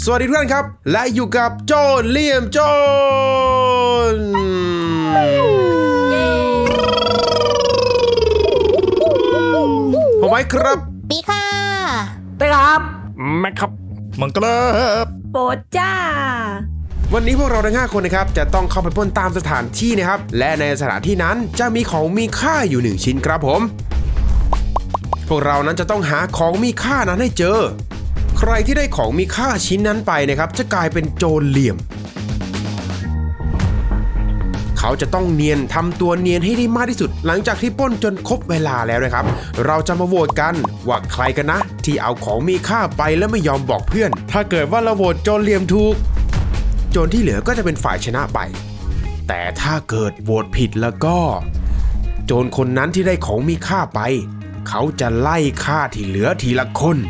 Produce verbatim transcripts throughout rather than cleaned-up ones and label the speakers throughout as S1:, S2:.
S1: วัสดีทุกท่านครับและอยู่กับโจนเลี่ยมโจนผมไว้ครับ
S2: ปีค่ะ
S3: ไปครับ
S4: แม็กครับมังกรครับ
S3: โปรดจ้า
S1: วันนี้พวกเราทั้งห้าคนนะครับจะต้องเข้าไปปล้นตามสถานที่นะครับและในสถานที่นั้นจะมีของมีค่าอยู่หนึ่งชิ้นครับผมพวกเรานั้นจะต้องหาของมีค่านั้นให้เจอใครที่ได้ของมีค่าชิ้นนั้นไปนะครับจะกลายเป็นโจรเหลี่ยมเขาจะต้องเนียนทำตัวเนียนให้ได้มากที่สุดหลังจากที่ปล้นจนครบเวลาแล้วนะครับเราจะมาโหวตกันว่าใครกันนะที่เอาของมีค่าไปแล้วไม่ยอมบอกเพื่อนถ้าเกิดว่าเราโหวตโจรเหลี่ยมถูกโจรที่เหลือก็จะเป็นฝ่ายชนะไปแต่ถ้าเกิดโหวตผิดแล้วก็โจรคนนั้นที่ได้ของมีค่าไปเขาจะไล่ฆ่าที่เหลือทีละคน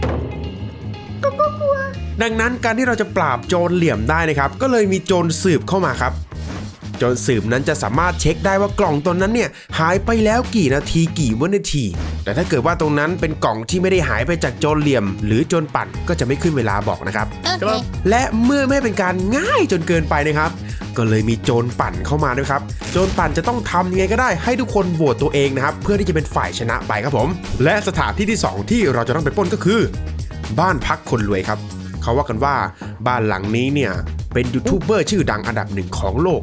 S1: ดังนั้นการที่เราจะปราบโจรเหลี่ยมได้นะครับก็เลยมีโจรสืบเข้ามาครับโจรสืบนั้นจะสามารถเช็คได้ว่ากล่องตนนั้นเนี่ยหายไปแล้วกี่นาทีกี่วินาทีแต่ถ้าเกิดว่าตรงนั้นเป็นกล่องที่ไม่ได้หายไปจากโจรเหลี่ยมหรือโจรปั่นก็จะไม่ขึ้นเวลาบอกนะครับ
S2: okay.
S1: และเมื่อไม่เป็นการง่ายจนเกินไปนะครับก็เลยมีโจรปั่นเข้ามาด้วยครับโจรปั่นจะต้องทำยังไงก็ได้ให้ทุกคนโหวตตัวเองนะครับเพื่อที่จะเป็นฝ่ายชนะไปครับผมและสถานที่ที่สองที่เราจะต้องไปปล้นก็คือบ้านพักคนรวยครับเขาว่ากันว่าบ้านหลังนี้เนี่ยเป็นยูทูบเบอร์ชื่อดังอันดับหนึ่งของโลก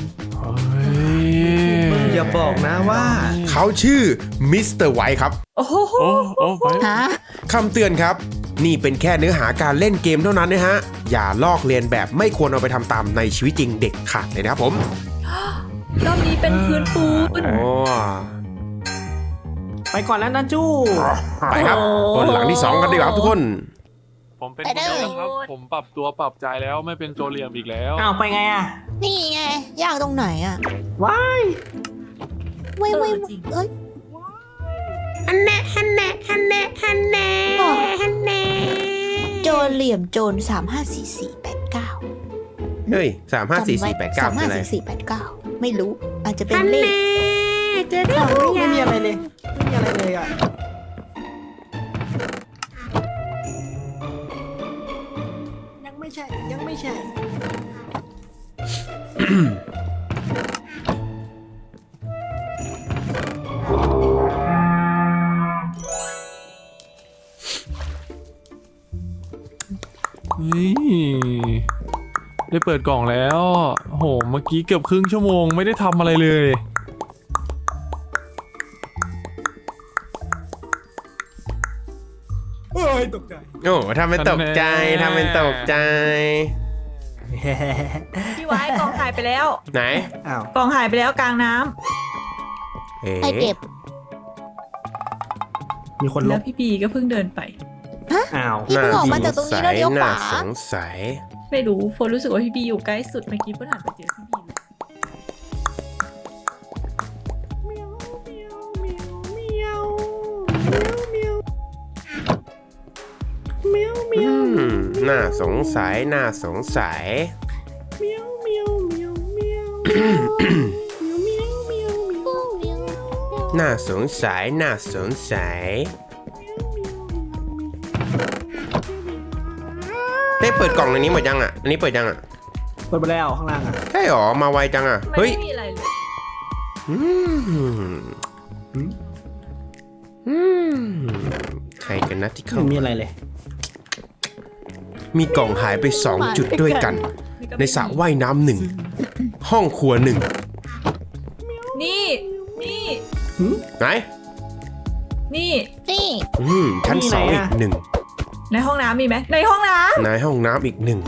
S5: อย่าบอกนะว่า
S1: เขาชื่อมิสเตอร์ไวท์ครับ
S3: โอ้โห
S1: คำเตือนครับนี่เป็นแค่เนื้อหาการเล่นเกมเท่านั้นนะฮะอย่าลอกเลียนแบบไม่ควรเอาไปทำตามในชีวิตจริงเด็กขาดเลยนะครับผม
S3: รอบนี้เป็นพื้นปูน
S5: ไปก่อนแล้วนะจู้
S1: ไปครับคนหลังที่สองกันดีกว่าครับทุกคน
S4: ผมเป็นโจรครับผมปรับตัวปรับใจแล้วไม่เป็นโจรเหลี่ยมอีกแล้ว
S5: อ้าวไปไงอ่ะ
S2: นี่ไงยากตรงไหนอ่ะ
S5: ว้าย
S2: ว้ายว้ายเอ้ยฮันแน่ฮันแน่ฮันแน่ฮันแน่ฮันแน่โจรเหลี่ยมโจรสามห้าสี่สี่แปดเก้า
S1: เฮ้ยสามห้าสี่สี่แปดเก้า
S2: สามห้าสี่สี่แปดเก้าไม่รู้อาจจะเป็นเลข
S5: เจอได้ไม่มีอะไรเลยไม่มีอะไรเลยอ่ะยังไม่ใช่ยังไม่ใช่
S4: ได้เปิดกล่องแล้วโหเมื่อกี้เกือบครึ่งชั่วโมงไม่ได้ทำอะไรเลย
S5: โอ้ยตกใจ
S1: โอ้ทำเป็นตกใจทำเป็นตกใจ
S3: พี่ไว้กล่องหายไปแล้ว
S1: ไหน
S5: อ้าว
S3: กล่องหายไปแล้วกลางน้ำ
S2: ใครเก็บ
S5: มีคนลบ
S3: แล้วพี่ปีก็เพิ่งเดินไป
S5: อ้าว
S2: พี่เพิ่งออกมาจากตรงนี้แล้วเลี้ยวขวา
S1: สงสัย
S3: ไม่รู้โฟนรู้สึกว่าพี่บีอยู่ใกล้สุดเมื่อกี้เพิ่งหันไปเจอพี่บี
S1: น่าสงสัยน่าสงสัยน่าสงสัยน่าสงสัยได้เปิดกล่องในนี้หมดยังอ่ะอันนี้เปิดยังอ่ะ
S5: เปิดไปแล้วข้างล่างอ่ะ
S1: ใช่หรอมาไวจังอ่ะเฮ้ย
S3: ไม่มีอะไรเลย
S1: อืมอืมใครกันนะที่เขา
S5: ไม่มีอะไรเลย
S1: มีกล่องหายไปสองจุดด้วยกันในสระว่ายน้ำหนึ่งห้องครัวหนึ่ง
S3: นี่นี่
S1: ไหน
S3: นี่
S2: นี่
S1: อืมชั้นสองอีกหนึ่ง
S3: ในห้องน้ำมีไหมในห้องน้ำ
S1: ในห้องน้ำอีกหนึ่ง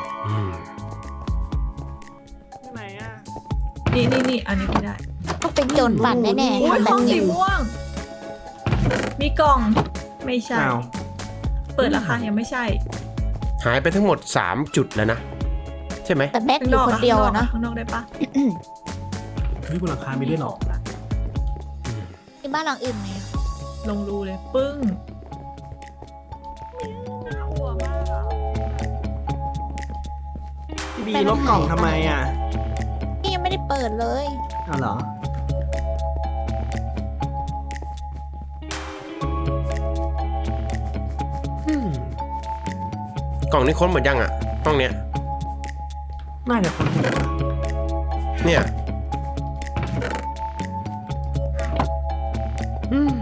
S5: ไหนอ่ะ
S3: นี่นี่นี่อันนี้ไม่ได้
S2: ต้องเป็นโจรปั่นแน่แน่
S3: ห้องสีม่วงมีกล่องไม่ใช่เปิดราคายังไม่ใช่
S1: หายไปทั้งหมดสามจุดแล้วนะใช่ไหม
S2: แต่แม็กอยู่คนเดียวนะ
S3: ข้างนอกได้ปะ
S5: เฮ้ยบนหลังคามีด้วยหรอ
S2: ที่บ้านหลังอื่นไหม
S3: ลงรูเลยปึ้งน่ากลัวมาก
S5: พี่บีลบกล่องทำไมอ่ะ
S2: พี่ยังไม่ได้เปิดเลย
S5: อ้าวเหรอ
S1: กล่องนี้ค้นหมดยังอ่ะห้องเนี้ย
S5: น่าจะคนหัว
S1: เนี่ยอืม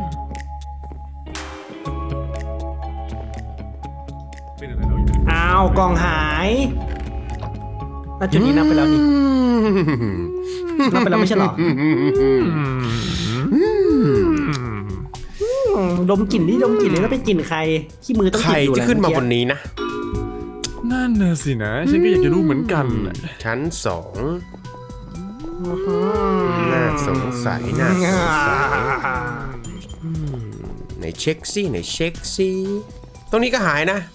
S4: เป็นอะไรเราอยู่
S5: อ้าวกล่องหายแล้วจุดนี้นับไปแล้วนี่นับไปแล้วไม่ใช่เหรออืมดมกลิ่นนี่ดมกลิ่นนี่แล้วเป็นกลิ่นใครขี้มือต้อง
S1: ใค
S5: ก
S1: ร
S5: ลิ่นอยู่
S1: จะ
S5: แหละ
S1: ขึ้นมาบ
S5: เมื่อน กี้
S1: นี้นะ
S4: นั่นน่ะสินะฉันก็อยากจะรู้เหมือนกันน่ะ
S1: ชั้นสอง
S5: อื้อหือ
S1: น่าสงสัยน่าสงสัยไหนเช็คซี่ไหนเช็คซี่ตรงนี้ก็หายนะ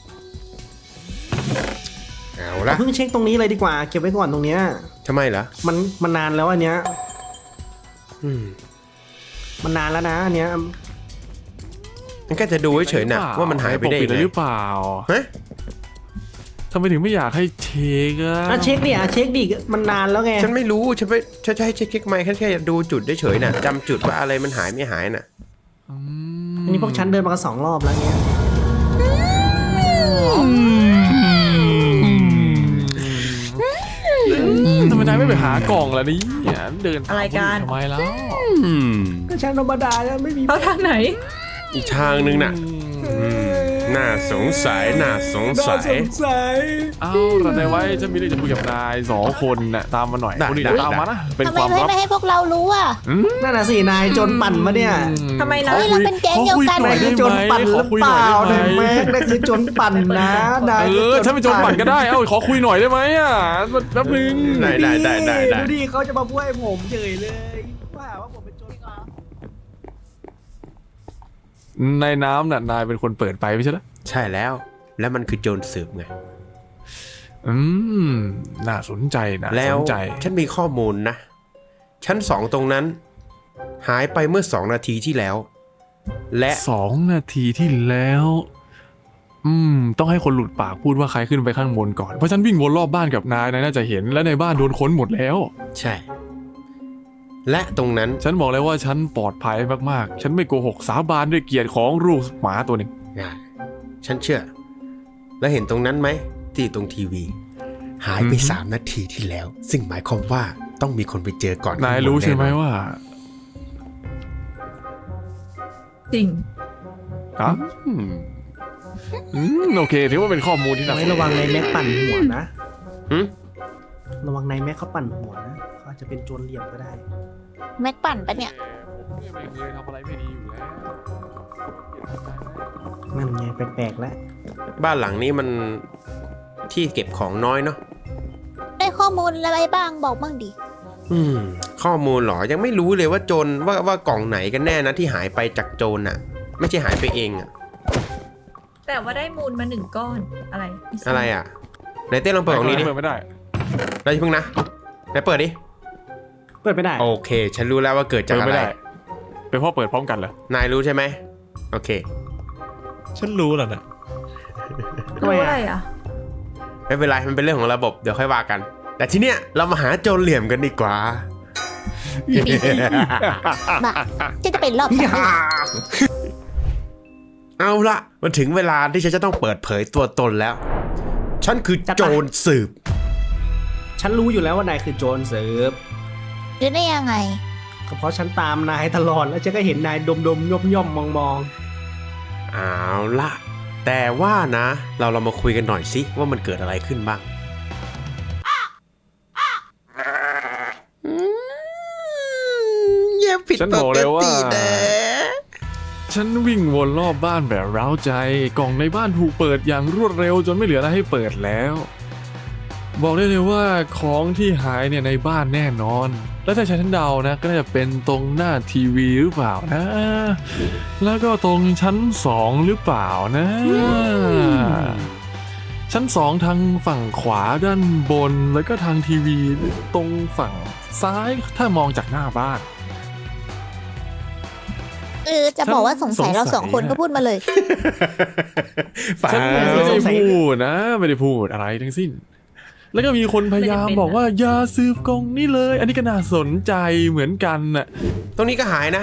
S1: เอาละ
S5: เพิ่งเช็คตรงนี้เลยดีกว่าเก็บไว้ก่อนตรงเนี้ย
S1: ทำไมเหรอ
S5: มันมันนานแล้วอันเนี้ย
S1: อืม
S5: มันนานแล้วนะอันเนี้ย
S1: มันก็จะดูเฉยๆนะว่ามันหายไปได้
S4: ปกปิ
S1: ยังไง
S4: หรือเปล่า
S1: ฮะ
S4: ทำไมถึงไม่อยากให้เช็คอะ
S5: อ่ะเช็คดิอ่ะเช็คดิมันนานแล้วไง
S1: ฉันไม่รู้ฉันไปฉันจะให้เช็คเช็คไหมแค่แค่ดูจุดเฉยๆนะจำจุดว่าอะไรมันหายไม่หายน่ะ
S4: อืม
S5: อันนี้พวกฉันเดินมากันสองรอบแล้วเนี้ย
S4: ทำไมนายไม่ไปหากล่องล่ะนี่เดินตาม
S3: อะไรกัน
S4: ทำไมแล้ว
S1: อืม
S5: ก็ฉันธรรมดาแล้วไม่มี
S3: เขาทางไหน
S1: อีกทางนึงน่ะอืมน่าสงสัยน่าสงสัย
S5: สัย
S4: เอ้าเราได้ไว้ฉันมีเรื่องจะคุยกับนายสองคนน่ะตามมาหน่อย
S1: ได้
S4: คนอื่น
S1: ได้
S4: อย่าตามมานะเป็น
S2: ทำไม
S4: ความ
S2: ไม่
S4: ลับ
S2: ไม่ให้พวกเรารู้อ่ะ
S5: นั่นน่ะสินายจนปั่นมาเนี่ย
S3: ทำไมนะ
S2: เฮ้ยเราเป็นแก๊งเดียวกัน
S4: ข
S5: นาย
S4: คุ
S5: คือจนปั่นหรือเปล่านายแม็กนายคือจนปั่นนะนาย
S4: เออฉันเป็นโจรปั่นก็ได้เอ้าขอคุยหน่อยได้ไหมอ่ะแป๊บนึง
S1: ได้ได้ได้ได้ได้
S5: ดูดิเขาจะมาพูดให้ผมเฉยเลยว่าว่าผมเป็นโจร
S4: ในน้ำน่ะนายเป็นคนเปิดไปไม่ใช่เหรอ
S1: ใช่แล้ว แล้วมันคือโจรสืบไง
S4: อืมน่าสนใจนะ
S1: แล้
S4: ส
S1: วน
S4: ใจ
S1: ฉันมีข้อมูลนะ ชั้นสองตรงนั้น หายไปเมื่อสองนาทีที่แล้ว และ
S4: สองนาทีที่แล้ว อืม ต้องให้คนหลุดปากพูดว่าใครขึ้นไปข้างบนก่อน เพราะฉันวิ่งวนรอบบ้านกับนายนายน่าจะเห็นและในบ้านโดนค้นหมดแล้ว
S1: ใช่ และตรงนั้น
S4: ฉันบอกเลยว่าฉันปลอดภัยมากๆ ฉันไม่โกหกสาบานด้วยเกียรติของลูกหมาตัวหนึ่ง
S1: อ่ะฉันเชื่อ แล้วเห็นตรงนั้นไหมที่ตรงทีวี หายไปสามนาทีที่แล้ว ซึ่งหมายความว่าต้องมีคนไปเจอก่อน
S4: นายรู้ใช่ไหมว่า
S3: จริง
S4: ฮะ
S1: อืม
S4: อืมโอเคถือว่าเป็นข้อมูลที่น่าสน
S5: ไม่
S4: ใจ
S5: ระวังนายแม็กปั่นหัวนะ
S1: หืม
S5: ระวังนายแม็กเขาปั่นหัวนะเขาอาจจะเป็นโจรเหลี่ยมก็ได้
S2: แม็กปั่นปะเนี่ย
S4: ผมเนี่ยไม่เคยทำอะไรไม่ดีอยู่แล้ว
S5: นั่นไงแปลกๆแล้ว
S1: บ้านหลังนี้มันที่เก็บของน้อยเนาะ
S2: ได้ข้อมูลอะไรบ้างบอกบ้างดิ
S1: อืม ข้อมูลเหรอ ยังไม่รู้เลยว่าโจรว่าว่ากล่องไหนกันแน่นะที่หายไปจากโจรน่ะ ไม่ใช่หายไปเองอะ
S3: แต่ว่าได้มูลมาหนึ่งก้อนอะไรม่ทาบ
S1: อะไรอ่ะไหนเต้ลองเปิดของนี้ดิ
S4: เปิดไม่ได้
S1: ได้เพิ่งนะไหนเปิดดิ
S5: เปิดไม่ได้
S1: โอเค ฉันรู้แล้วว่าเกิดจาก
S4: เปิด
S1: อะ
S4: ไม่
S1: ไร
S4: ได้เป็นเพราะเปิดพร้อมกันเหรอน
S1: ายรู้ใช่ไหมโอเค
S4: ฉันรู้แล้วนะ
S5: ทำไม
S3: รู้
S5: อะ
S3: อะไรอ่ะ
S1: ไม่เป็นไร มันเป็นเรื่องของระบบ เดี๋ยวค่อยว่ากัน แต่ทีเนี้ยเรามาหาโจรเหลี่ยมกันดีกว่า
S2: มาจะจะเป็นรอบสอง
S1: เอาละมันถึงเวลาที่ฉันจะต้องเปิดเผยตัวตนแล้ว ฉันคือโจรสืบ
S5: ฉันรู้อยู่แล้วว่านายคือโจรเสิร์ฟ
S2: รู้ได้ยังไง
S5: ก็เพราะฉันตามนายตลอดแล้วฉันก็เห็นนายดมดมย่อมย่อมมองมอง
S1: เอาละแต่ว่านะ เราเรามาคุยกันหน่อยสิว่ามันเกิดอะไรขึ้นบ้างอย่าผิด
S4: ฉัน
S1: ป
S4: บอก
S1: ก
S4: เลยว่า
S1: ตินะ
S4: ฉันวิ่งวนรอบบ้านแบบเร้าใจ กล่องในบ้านถูกเปิดอย่างรวดเร็วจนไม่เหลืออะไรให้เปิดแล้ว บอกได้เลยว่าของที่หายเนี่ยในบ้านแน่นอน แล้วถ้าฉันเดานะก็น่าจะเป็นตรงหน้าทีวีหรือเปล่านะ แล้วก็ตรงชั้นสองหรือเปล่านะ ชั้นสองทางฝั่งขวาด้านบนแล้วก็ทางทีวีตรงฝั่งซ้ายถ้ามองจากหน้าบ้าน
S2: เออ จะบอกว่าสงสัยเราสองคนก็พูดมาเลย
S1: ฝ่า
S4: ฉันไม่ได้พูดนะ ไม่ได้พูดอะไรทั้งสิ้น แล้วก็มีคนพยายามบอกว่าอย่าซื้อกล่องนี้เลย อันนี้ก็น่าสนใจเหมือนกันน่ะ
S1: ตรงนี้ก็หายนะ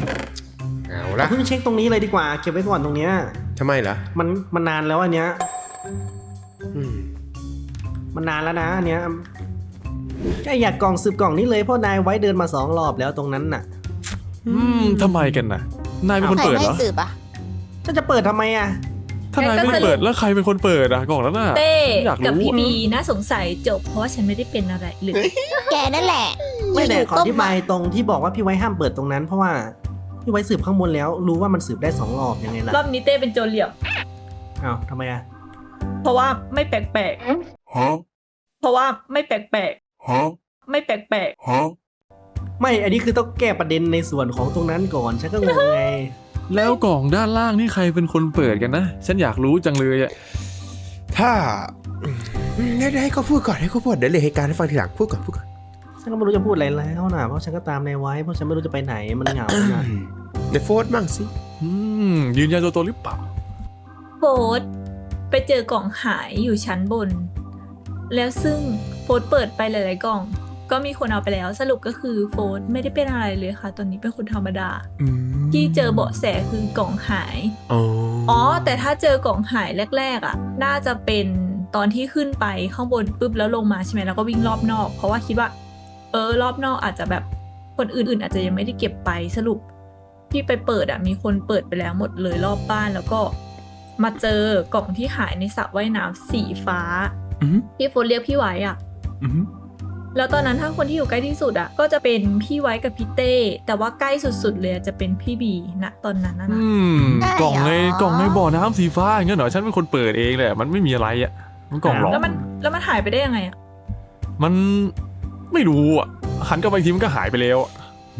S1: เอาละ
S5: เพิ่งเช็คตรงนี้เลยดีกว่าเก็บไว้ก่อนตรงเนี้ย
S1: ทำไมเหรอ
S5: มันมันนานแล้วอันเนี้ย
S1: อืม
S5: มันนานแล้วนะอันเนี้ยแค่อยากกล่องสืบกล่องนี้เลยเพราะนายไว้เดินมาสองรอบแล้วตรงนั้นน่ะ
S4: อืมทำไมกันน่ะ นายเป็นคน
S2: ใคร
S4: เปิด
S2: ไม่
S4: เหรอ
S2: สืบอ่ะ
S5: ฉันจะเปิดทำไมอ่ะ
S4: ถ้านายไม่ได้เปิดแล้วใครเป็นคนเปิดอะกล่องนั้นน่ะ
S3: เต้
S4: อยาก
S3: กับ
S4: รู้
S3: พี่บีน่าสงสัยจบเพราะว่าฉันไม่ได้เป็นอะไรเลย
S2: แกนั่นแหละ
S5: ไม่แต่
S2: ยู่ๆ
S5: ขออธิบายตรงที่บอกว่าพี่ไว้ห้ามเปิดตรงนั้น เพราะว่าพี่ไว้สืบข้างบนแล้ว รู้ว่ามันสืบได้สองรอบยังไงล่ะ
S3: รอบนี้เต้เป็นโจรเหลี่ยม
S5: อ้าวทำไมอ่ะ
S3: เพราะว่าไม่แปลกๆเพราะว่าไม่แปลกๆไม่แปลก
S5: ไม่อันนี้คือต้องแก้ประเด็นในส่วนของตรงนั้นก่อนฉันก็งงไง
S4: แล้วกล่องด้านล่างนี่ใครเป็นคนเปิดกันนะ ฉันอยากรู้จังเลยอะ
S1: ถ้าอืมได้ได้ให้เขาพูดก่อนให้เขาพูดเดี๋ยวเลยเหตุการณ์ให้ฟังทีหลังพูดก่อนพูดก่อน
S5: ฉันก็ไม่รู้จะพูดอะไรแล้วนะเพราะฉันก็ตามนายไว้เพราะฉันไม่รู้จะไปไหนมันเหงานะ
S1: ในโฟร์มั่งสิ
S4: อืมยืนยันตัวตนหรือเปล่า
S3: ๆโฟดไปเจอกล่องหายอยู่ชั้นบน แล้วซึ่งโฟดเปิดไปหลายๆกล่อง ก็มีคนเอาไปแล้วสรุปก็คือโฟดไม่ได้เป็นอะไรเลยค่ะ ตอนนี้เป็นคนธรรมดา
S1: อืม
S3: ที่เจอเบาะแสคือกล่องหาย
S1: อ๋อ
S3: อ๋อ แต่ถ้าเจอกล่องหายแรกๆอ่ะ น่าจะเป็นตอนที่ขึ้นไปข้างบนปุ๊บแล้วลงมาใช่ไหมแล้วก็วิ่งรอบนอก เพราะว่าคิดว่า เออรอบนอกอาจจะแบบคนอื่นๆ อาจจะยังไม่ได้เก็บไปสรุปที่ไปเปิดอ่ะมีคนเปิดไปแล้วหมดเลยรอบบ้านแล้วก็มาเจอกล่องที่หายในสระว่ายน้ำสีฟ้า
S1: อืม
S3: ที่โฟนเรียกพี่ไว้อ่ะ
S1: อืม
S3: แล้วตอนนั้นถ้าคนที่อยู่ใกล้ที่สุดอ่ะก็จะเป็นพี่ไว้กับพี่เต้แต่ว่าใกล้สุดๆเลยจะเป็นพี่บีณตอนนั้นนะนะ
S4: อืม
S2: ได้เหรอ
S4: กล่องในกล่องในบ่อน้ำสีฟ้าอย่างเงี้ยเหรอฉันเป็นคนเปิดเองแหละมันไม่มีอะไรอ่ะมันกล่องหรอก
S3: แล้วมันแล้วมันหายไปได้ยังไงอ่ะ
S4: มันไม่รู้อ่ะหันกลับไปอีกทีมันก็หายไปแล้วอะ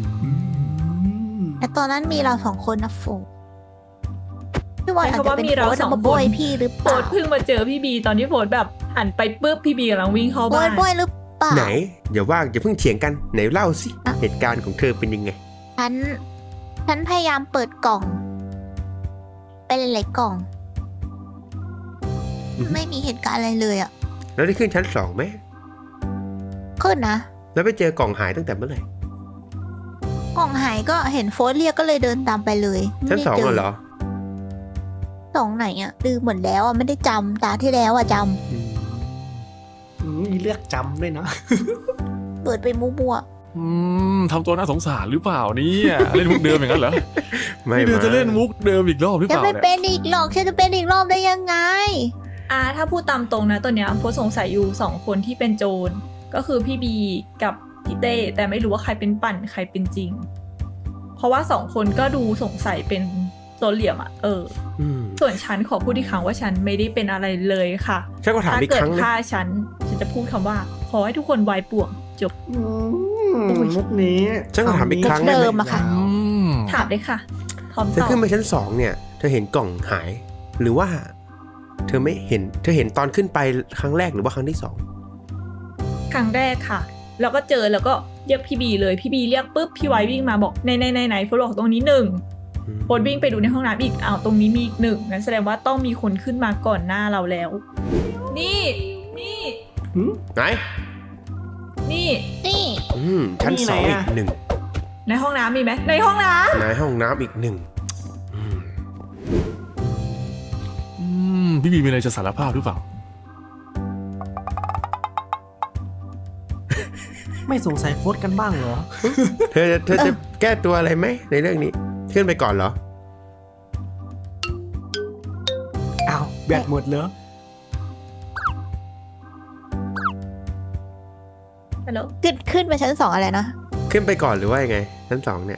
S2: แต่ตอนนั้นมีเราสองคนนะโฟพี่บอลอาจ
S3: เพราะ
S2: จะ
S3: ว่า
S2: เป็น
S3: มีเรา
S2: โฟน
S3: สอง
S2: มา
S3: ค
S2: โบ
S3: น
S2: ยพี่หรือ
S3: โฟ
S2: เปล่า
S3: ดเพิ่งมาเจอพี่บีตอนที่โฟดแบบหันไปปุ๊บพี่บีกำลังวิ่งเข้า
S2: โบ
S3: บ้าย น
S2: โบยหรือเปล่า
S1: ไหนอย่าว่าอย่าเพิ่งเถียงกันไหนเล่าสิ
S2: อ่ะ
S1: เหตุการณ์ของเธอเป็นยังไง
S2: ฉัน ฉันพยายามเปิดกล่อง เป็นหลายๆกล่อง
S1: อือฮึ
S2: ไม่มีเหตุการณ์อะไรเลยอ่ะ
S1: แล้วได้ขึ้นชั้นสองไหม
S2: ขึ้นนะ
S1: แล้วไปเจอกล่องหายตั้งแต่เมื่อไหร่
S2: กล่องหายก็เห็นโฟสเรียกก็เลยเดินตามไปเลย
S1: ชั้นสอง
S2: ไม่ได้
S1: เหรอ
S2: สองไหนอ่ะลืมหมดแล้วอ่ะไม่ได้จำตาที่แล้วอ่ะจ
S1: อืม
S5: อืมมีเลือกจำด้วยนะ
S2: ำเปิดไปมั่ว
S4: อืมทำตัวน่าสงสารหรือเปล่าเนี่ยเล่นมุกเดิมอย่างนั้นเหรอ
S1: ไม่
S4: นี่เดิน
S1: มา
S4: จะเล่นมุกเดิมอีกรอบหรือ
S2: ๆ
S4: เป
S2: จะ
S4: ล่า
S2: ไม่
S4: เนี่ย
S2: เป็นอีกหรอกฉันจะเป็นอีกรอบได้ยังไง
S3: อ่าถ้าพูดตามตรงนะตอนเนี้ยโฟดสงสัยอยู่สองคนที่เป็นโจรก็คือพี่บีกับพี่เต้แต่ไม่รู้ว่าใครเป็นปั่นใครเป็นจริง เพราะว่าสองคนก็ดูสงสัยเป็นโจรเหลี่ยมอ่ะเออ
S1: อืม
S3: ส่วนฉันขอพูดอีกครั้งว่าฉันไม่ได้เป็นอะไรเลยค่ะ
S1: ฉันก็ถาม
S3: ถ้า
S1: อีก
S3: เกิ
S1: ค
S3: ด
S1: รั้งนะ
S3: ฆ่าฉันฉันจะพูดคำว่า ขอให้ทุกคนวายป่วงจบ
S5: อืมมุกนี้
S1: ฉันก็ถามอีกครั้ง
S2: เดิมอะค่ะ
S4: อืม
S3: ถามเลยค่ะ พร้อม
S1: เธอ
S3: ตอบ
S1: ขึ้นไปชั้นสองเนี่ย เธอเห็นกล่องหาย หรือว่า เธอไม่เห็น เธอเห็นตอนขึ้นไปครั้งแรกหรือว่าครั้งที่สอง
S3: ครั้งแรกค่ะ แล้วก็เจอแล้วก็เรียกพี่บีเลยพี่บีเรียกปุ๊บพี่ไว้วิ่งมาบอกในในในในโฟดบอกตรงนี้หนึ่ง
S1: อืม
S3: โฟดวิ่งไปดูในห้องน้ำอีกอ้าวตรงนี้มีอีกหนึ่งงั้นแสดงว่าต้องมีคนขึ้นมาก่อนหน้าเราแล้ว นี่นี่
S5: หืม
S1: ไหน
S3: นี่
S2: นี่
S1: อืมชั้น
S5: มี
S1: ส
S5: ไหน
S1: องอี
S5: อะ
S1: กหนึ่ง
S3: ในห้องน้ำมีไหมในห้องน้ำ
S1: ในห้องน้ำอีกหนึ่งอืม
S4: อืมพี่บีมีอะไรจะสารภาพหรือเปล่า
S5: ไม่สงสัยโฟสกันบ้างเหรอ
S1: เธอเธอจะแก้ตัวอะไรไหมในเรื่องนี้ ขึ้นไปก่อนเหรอ
S5: อ้าวแบตหมดเหรอ
S3: ฮัลโหล
S2: ขึ้นขึ้นไปชั้นสองอะไรนะ
S1: ขึ้นไปก่อนหรือว่ายังไง ชั้นสองเนี่ย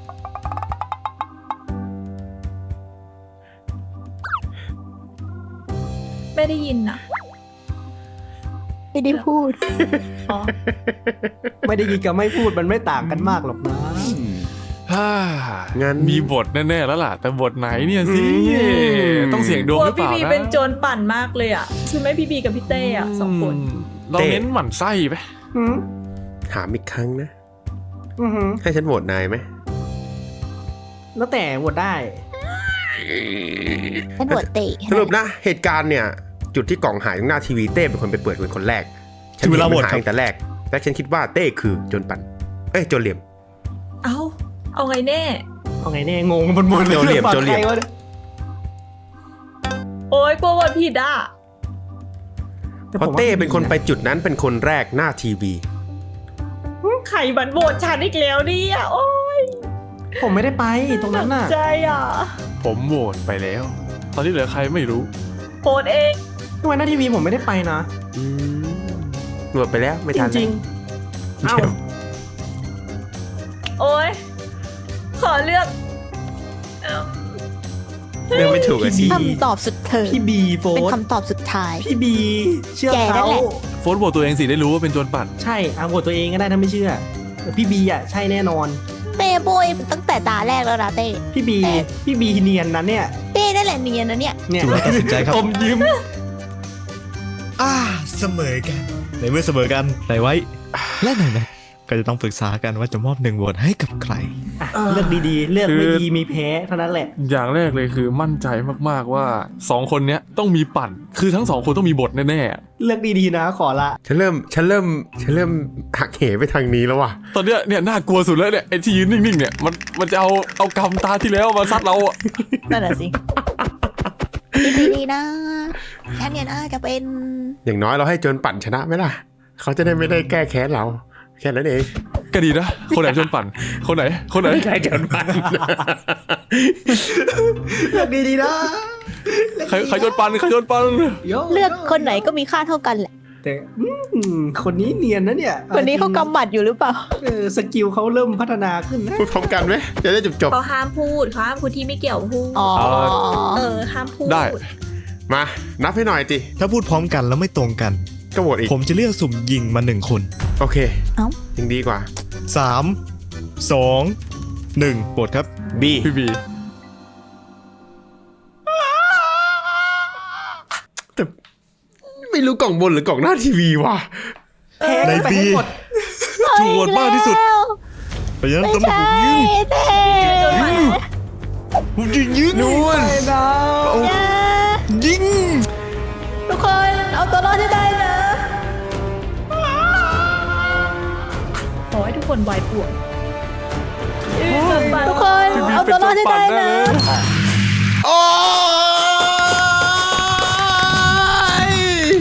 S3: ไม่ได้ยินอ่ะ
S2: ไม่ได้พูด
S3: อ๋อ
S5: ไม่ได้ยินกับไม่พูดมันไม่ต่างกันมากหรอกนะ
S4: ฮ่า
S1: งั้น
S4: มีบทแน่ๆแล้วล่ะ แต่บทไหนเนี่ยสิ
S1: อืม
S4: ต้องเสี่ยงด
S3: ก
S4: วง
S3: ลัว
S4: หรือเป
S3: พี่
S4: ล่า
S3: บี
S4: นะ
S3: เป็นโจรปั่นมากเลยอ่ะคือไม่พี่บีกับพี่เต้อ่ะสองคน
S4: มเราเน้นหมั่นไส้ไป
S5: หืม
S1: ถามอีกครั้งนะ
S5: อือหือ
S1: ให้ฉันโหวตนายไหม
S5: แล้วแต่โหวตได้
S2: เป็นหัวเตะ
S1: สรุปนะ เหตุการณ์เนี่ย จุดที่กล่องหายตรงหน้าทีวีเต้เป็นคนไปเปิดเป็นคนแรก ฉัน
S4: ถึงเว
S1: เห็น
S4: ลา
S1: มัน
S4: โหวต
S1: หาย
S4: ครับ
S1: ตั้งแต่แรก และฉันคิดว่าเต้คือโจรปั่น เอ้ยโจรเหลี่ยม
S3: เอาเอาไงแน่
S5: เอาไงแน่งงบนบน
S1: โจรเหลี่ยมโจรเหลี่ยม
S5: ปากใควะนี่
S3: โอ้ยกลัววันผิดอ่ะ
S5: แต่
S1: เพ
S5: ผม
S1: ราะ
S5: ว่า
S1: เต้เป็นคนไปจุดนั้นเป็นคนแรกหน้าทีวี
S3: ใครบันโหวตฉันอีกแล้วเนี่ยโอ้ย
S5: ผมไม่ได้ไปตรงนั้นน่ะ
S3: ใจอ่ะ
S4: ผมโหวตไปแล้ว ตอนนี้เหลือใครไม่รู้
S3: โหวตเอง
S5: ทำไมหน้าทีวีผมไม่ได้ไปนะ
S1: อืมหนวดไปแล้วไม่
S5: จ
S1: ทัน
S5: ริงๆเอ้า
S3: โอ้ยขอเลือกเอิ่ม
S1: เรื่องไม่ถูกอะสิ
S5: พี่
S2: คำตอบสุดเธอ
S5: พี่บีโฟ
S2: เป็น
S5: ร์
S2: คำตอบสุดท้าย
S5: พี่บีเชื่อ
S2: แกนั่
S5: เขา
S2: นแหละ
S4: โฟนโหวตตัวเองสิได้รู้ว่าเป็นโจรปั่น
S5: ใช่เอาโหวตตัวเองก็ได้ถ้าไม่เชื่อแต่พี่บีอ่ะใช่แน่นอน
S2: เต้โบยตั้งแต่ตาแรกแล้วนะเต้
S5: พี่บีพี่บีเนียนนั้นเนี่ย
S2: เต้นั่นแหละเนียนนะเนี่ย
S5: เนี่ย
S6: ถูกแล้วตัดสินใจครับ
S5: อมยิ้ม
S6: อ่าเสมอกัน ในเมื่อเสมอกันไหนไว้ และไหนนะก็จะต้องปรึกษากันว่าจะมอบหนึ่งโหวตให้กับใคร
S5: อ่ะเลือกดีๆ เลือก
S4: คือ
S5: ไม่ดีมีแพ้เท่านั้นแหละ
S4: อย่างแรกเลยคือมั่นใจมากๆว่าสองคนเนี้ยต้องมีปั่น คือทั้งสองคนต้องมีบทแน่
S5: เลือกดีๆนะขอละ
S1: ฉันเริ่มฉันเริ่มฉันเริ่มหักเหไปทางนี้แล้วว่ะ
S4: ๆตอนเนี้ยเนี่ยน่ากลัวสุดแล้วเนี่ยไอ้ที่ยืนนิ่งๆเนี่ยมันมันจะเอาเอากำตาที่แล้วมาซัดเราอะ
S2: นั่นแหละสิดีๆนะฉันเนี่ยนะจะเป็น
S1: อย่างน้อยเราให้โจนปั่นชนะไหมล่ะ เขาจะได้ไม่ได้แก้แค้นเรา แค่นั้นเอง
S4: ก็ดีนะคนไหนโจรปั่น คนไหนคนไหน
S1: ไม่ใช่โจนปั่น
S5: เลือกดีๆนะ
S4: ใครใครโจรปั่นใครโจรปั่น
S5: โย่
S2: เลือกคนไหนก็มีค่าเท่ากันแหละ
S5: แต่อืมคนนี้เนียนนะเนี่ย
S2: คนนี้เขากำหมัดอยู่หรือเปล่า
S5: เออสกิลเขาเริ่มพัฒนาขึ้นนะ
S1: พูดพร้อมกันไหมจะได้จบจบ
S3: เขาห้ามพูดเขาห้ามพูดที่ไม่เกี่ยวพูด
S2: อ๋อ
S3: เออห้ามพูด
S4: ได้
S1: ๆมานับให้หน่อยจิ
S6: ถ้าพูดพร้อมกันแล้วไม่ตรงกัน
S1: ก็โหวตอีก
S6: ผมจะเลือกสุ่มยิงมาหนึ่งคน
S1: โอเค
S2: เอ้า
S1: ยังดีกว่า
S6: สามสองหนึ่งโหวตครับ
S1: B
S4: พี่บี
S1: แต่ไม่รู้กล่องบนหรือกล่องหน้าทีวีว่ะ
S5: แพ้
S6: ใน
S5: ไป
S6: ปี
S5: ให้หมด
S6: ถูกโหวตมากที่สุด เพราะฉะนั้น
S2: ไม่
S6: ต้องมา
S2: ใช่
S6: ผมยิง
S2: เต้
S6: ผมจะยิง
S1: นู่น
S5: ไปนะ
S2: อย่า
S6: ยิง
S2: ทุกคนเอาตัวรอดให้ได้นะ
S3: ขอให้ทุกคนวายป่วง
S2: ทุกคนเอาตัวรอดให้ได้นะ
S1: โอ้ย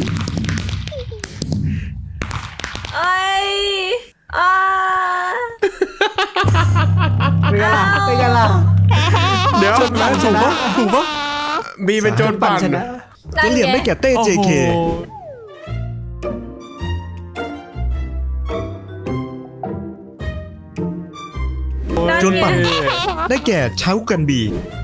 S3: ไอ้อ่า
S5: เป็นไงล่ะเป็นไงล่ะ
S1: เดี๋ยว
S4: ถูกปะถูกปะถูกปะ
S1: บีเป็นโจนปั่น
S5: ชนะ
S6: ก็เหลี่ยมได้แก่เต้ เจ เค
S3: นั่น
S6: จน
S3: ไง
S6: ปั่นได้แก่เช้ากันบี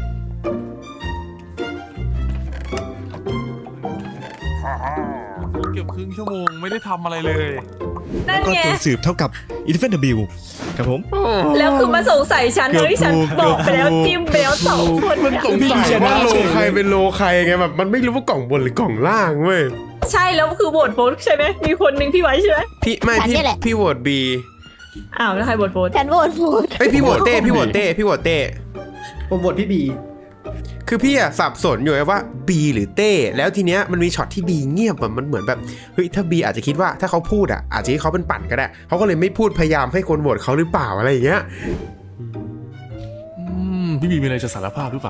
S4: เกือบครึ่งชั่วโมงไม่ได้ทำอะไรเลย
S3: นั่น
S6: ก็
S3: ไง
S6: ตัวสืบเท่ากับอินฟินิตี้บิลครับผม
S3: แล้วคือมาสงสัยฉัน
S6: เกื
S3: เล
S6: อบ
S3: ยที่ฉัน
S6: ถูก
S3: บอกไปแล้ว
S6: เกือบถูก
S3: จิ้มไปแล้วสองคน
S1: มัน
S3: เนี่ย
S1: สงสัยว่าโลใครเป็นโลใครไงแบบมันไม่รู้ว่ากล่องบนหรือกล่องล่างเว้ย
S3: ใช่แล้วคือโหวตโฟนใช่ไหมมีคนหนึ่งพี่ไว้ใช่ไหม
S1: พี่ไม่
S2: ฉัน
S1: พี่
S2: เนี่ยแหละ
S1: พี่โหวตบี
S3: อ้าวแล้วใครโหวตโฟน
S2: ฉันโหวตโหวต
S1: เอ้ยพี่โหวตเต้พี่โหวตเต้พี่โหวตเต้
S5: ผมโหวตพี่บี
S1: คือพี่อะสับสนอยู่ไงว่า B หรือเต้แล้วทีเนี้ยมันมีช็อตที่ B เงียบอะมันเหมือนแบบเฮ้ยถ้า B อาจจะคิดว่าถ้าเขาพูดอะอาจจะให้เขาเป็นปั่นก็ได้เขาก็เลยไม่พูดพยายามให้คนโหวตเขาหรือเปล่าอะไรอย่างเงี้ย
S4: อืมพี่บีมีอะไรจะสารภาพหรือเปล่า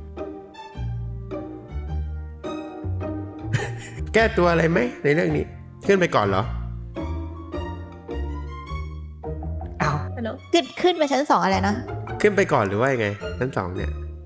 S1: แก้ตัวอะไรไหมในเรื่องนี้ขึ้นไปก่อนเหรอ
S5: อ้าว
S3: ฮัลโหล
S2: ขึ้นขึ้นไปชั้นสองอะไรนะ
S1: ขึ้นไปก่อนหรือว่ายังไงชั้นสองเนี่ย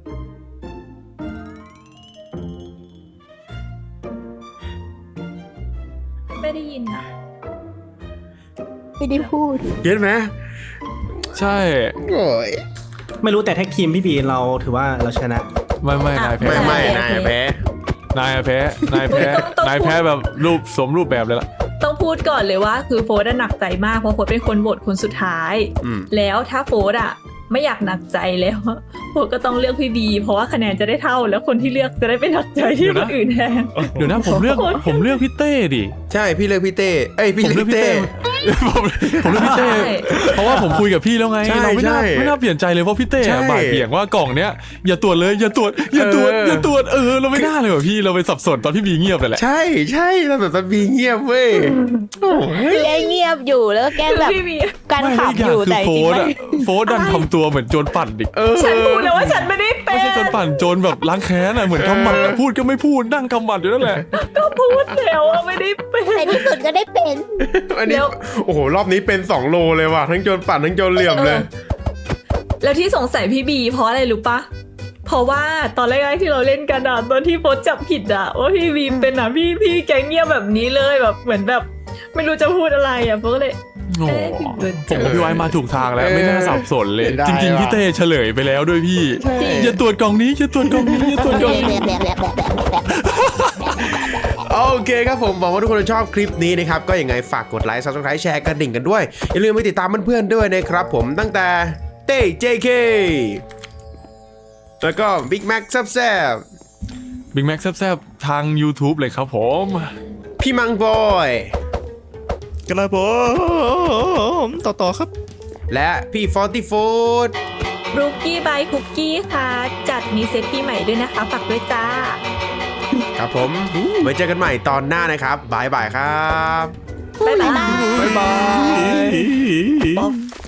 S3: ไม่ได้ยินอ่ะ
S2: ไม่ได้พูด
S1: เห็นไหม
S4: ใช่
S1: โอ้ย
S5: ไม่รู้แต่แท็กทีมพี่บีเราถือว่าเราชนะ
S4: ไม่ไม่นายแพ้
S1: ไม่ไม่
S2: โอเค
S1: นายแพ้
S4: นายแพ้นายแพ้นายแพ้แบบรูปสวมรูปแบบเลยล่ะ
S3: ต้องพูดก่อนเลยว่าคือโฟนอะหนักใจมากเพราะโฟนเป็นคนโหวตคนสุดท้าย
S1: อืม
S3: แล้วถ้าโฟนอะไม่อยากหนักใจแล้วอะโฟนก็ต้องเลือกพี่บีเพราะว่าคะแนนจะได้เท่า แล้วคนที่เลือกจะได้ไม่หนักใจที่คนอื่นแทน
S4: เดี๋ยวนะผมเลือกผมเลือกพี่เต้ดิ
S1: ใช่พี่เลือกพี่เต้เอ้ยพี่
S4: ผม
S1: เลื
S4: เลื
S1: อ
S4: อก กพี่
S1: เต้
S4: เต้ ผมผมเลือกพี่เต้
S3: ใช่
S4: เพราะว่าผมคุยกับพี่แล้วไง
S1: ใช่
S4: เราไม่น่า
S1: ใช่
S4: ไม่น่าเปลี่ยนใจเลยเพราะพี่เต้
S1: ใช่
S4: อะบ่ายเบี่ยงว่ากล่องเนี้ยอย่าตรวจเลยอย่าตรวจอย่าตรวจ
S1: เออ
S4: อ
S1: อ
S4: ย่าตรวจเออเราไม่น่าเลยว่ะพี่เราไปสับสนตอนพี่บีเงียบเลยแหละ
S1: ใช่ใช่เราแบบบีเงียบเว้ยโอ้ย
S2: แกเงียบอยู่แล้วก็แก
S3: คือ
S2: แบบ
S3: พี่บี
S2: การ
S4: ไม่
S2: ขับอยู่
S4: คื
S2: แต่จ
S4: โฟ
S2: ริง
S4: ร์
S2: ๆ
S4: ด
S2: ไม่
S4: อะโฟร์ดดันทำตัวเหมือนโจรปั่นดิ
S1: เออ
S3: ฉันพูดแล้วว่าฉันไม่ได้เป็
S4: ไม่ใช่โจรปั่นโจรแบบล้างแค้นอะเหมือนกำหมัดอะพูดก็ไม่พูดนั่งกำหมัดอยู่นั่นแหละ
S3: ก็พูดแล้วว่าไม่ได้เป็น
S2: ในที่สุดก็ได้เป็น
S1: อันนี้
S3: แล้ว
S1: โอ้โหรอบนี้เป็นสองโลเลยว่ะทั้งโจรปั่นทั้งโจรเหลี่ยมเลย
S3: แล้วที่สงสัยพี่บีเพราะอะไรรู้ปะเพราะว่าตอนแรกๆที่เราเล่นกันอะตอนที่โพสจับผิดอะว่าพี่บีเป็นอะพี่พี่แกเงียบแบบนี้เลยแบบเหมือนแบบ ไม่รู้จะพูดอะไรอะโพสก็เลย
S4: โอ้
S3: เอ๊ะผิดเบอร์
S4: ผมกับพี่ไว้มาถูกทางแล้วไม่น่าสับสนเลย
S1: ได้
S4: จริงๆ
S1: ว่ะ
S4: พี่เต้เฉลยไปแล้วด้วยพี่อย่าตรวจกล่องนี้อย่าตรวจกล่องนี้อย่าตรวจกล่องนี้
S1: โอเคครับผมหวังว่าทุกคนจะชอบคลิปนี้นะครับก็ยังไงฝากกดไลค์ ซับสไครบ์ แชร์กระดิ่งกันด้วยอย่าลืมไปติดตามเพื่อนๆด้วยนะครับผมตั้งแต่เต้ เจ เค แล้วก็บิ๊กแม็กแซบ
S4: บิ๊กแม็กแซบๆทาง YouTube เลยครับผม
S1: ๆพี่มังบอย
S6: กระผมต่อต่อครับ
S1: และพี่ฟอร์ตี้ฟูด
S3: รูกี้บายคุกกี้ค่ะจัดมีเซตปีใหม่ด้วยนะคะฝากด้วยจ้า
S1: ครับผมไว้เจอกันใหม่ตอนหน้านะครับบายบายครับ
S3: บ๊ายบาย
S4: บ๊ายบาย
S2: ป๊อป